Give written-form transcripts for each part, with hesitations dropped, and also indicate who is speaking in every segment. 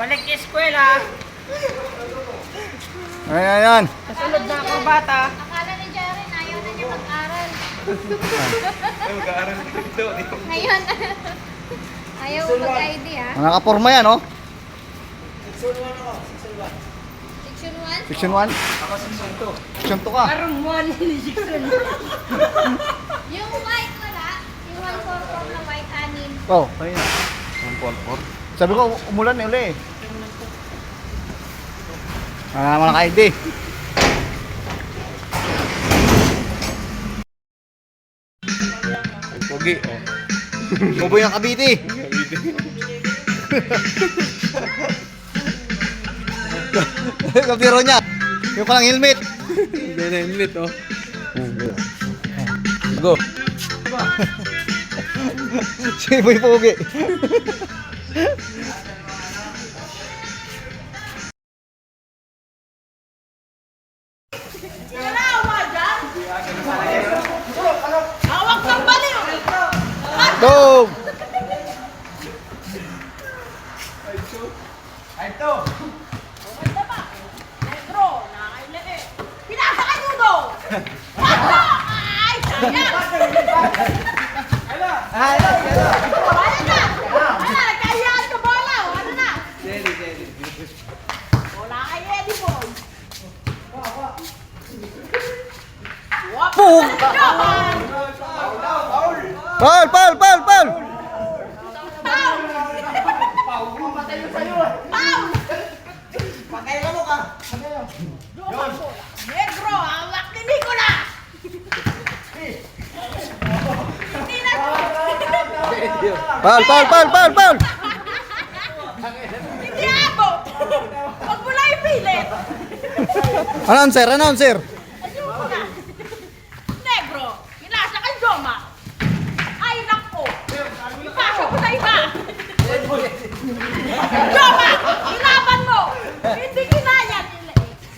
Speaker 1: Balik eskwela.
Speaker 2: Ayan.
Speaker 1: Kasunod na ako bata.
Speaker 3: Akala ni Jaren, ayaw na niya mag-aral.
Speaker 4: Ay, mag-aaral dito.
Speaker 3: Ngayon, ayaw mo mag-ID ha?
Speaker 2: Mga nakaporma yan, oh.
Speaker 3: Section 1?
Speaker 2: Section 1?
Speaker 4: Ako season 2.
Speaker 2: Section 2 ka.
Speaker 1: Parang one ni Jackson.
Speaker 3: Yung white wala. Yung 144 na white anin.
Speaker 2: Oh, kanina.
Speaker 4: 144.
Speaker 2: Sabi ko, umulan na uli eh. Wala naman naka-ID.
Speaker 4: Ang pogi, oh.
Speaker 2: Buboy ng Cavite. Kabiro niya. Yung palang helmet.
Speaker 4: Hindi na helmet, oh. Go.
Speaker 2: Si Boy Pogi.
Speaker 1: Hawak ng baliw.
Speaker 2: Dog!
Speaker 1: Maganda ba? Negro, nakakailan eh. Pinasa ka nudo. Pato! Ay, sayang. Wala na. Wala, nagkahiyaan ka bola. Ano na? Wala kay Eddie boy. Wap!
Speaker 2: Pug!
Speaker 1: Johan!
Speaker 2: Paul! Paul! Paul! Paul!
Speaker 1: Paul! Johan bola. Negro, hawak ni Nicolas. Hindi na.
Speaker 2: Paul! Paul! Paul! Paul! Paul!
Speaker 1: Hindi abot. Huwag mo lang ipilit.
Speaker 2: Announcer! Announcer!
Speaker 1: Ayun na. Negro, pinasa kay Joma. Ay, naku. Ipasa ko sa iba. Joma, ilaban mo. Hindi kinaya nila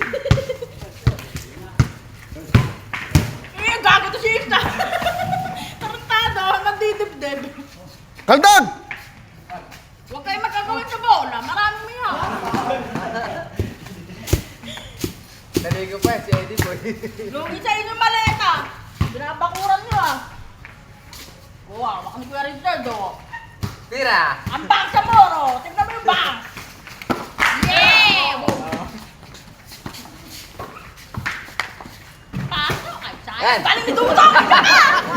Speaker 1: eh. Gago to si Ista. Tarantado, nagdidibdib.
Speaker 2: Kaldog!
Speaker 1: Huwag kayo magkagawin sa bola. Maraming mayaw.
Speaker 4: Naligo pa, si Eddie Boy.
Speaker 1: Lugi sa inyong maleta. Binabakuran nyo ah. Wow, wak ni Kuya Richard oh.
Speaker 4: Tira!
Speaker 1: Ang bang sa moro. Tignan mo yung bang. Yeah! Pasok ay sayang.
Speaker 4: Yan.
Speaker 1: Galing ni Dudong. Isa ka!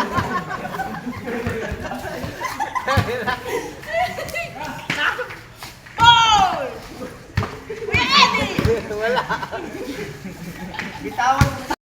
Speaker 1: Nasok. Paul! Kuya Eddie!
Speaker 4: Wala.
Speaker 2: Bitawan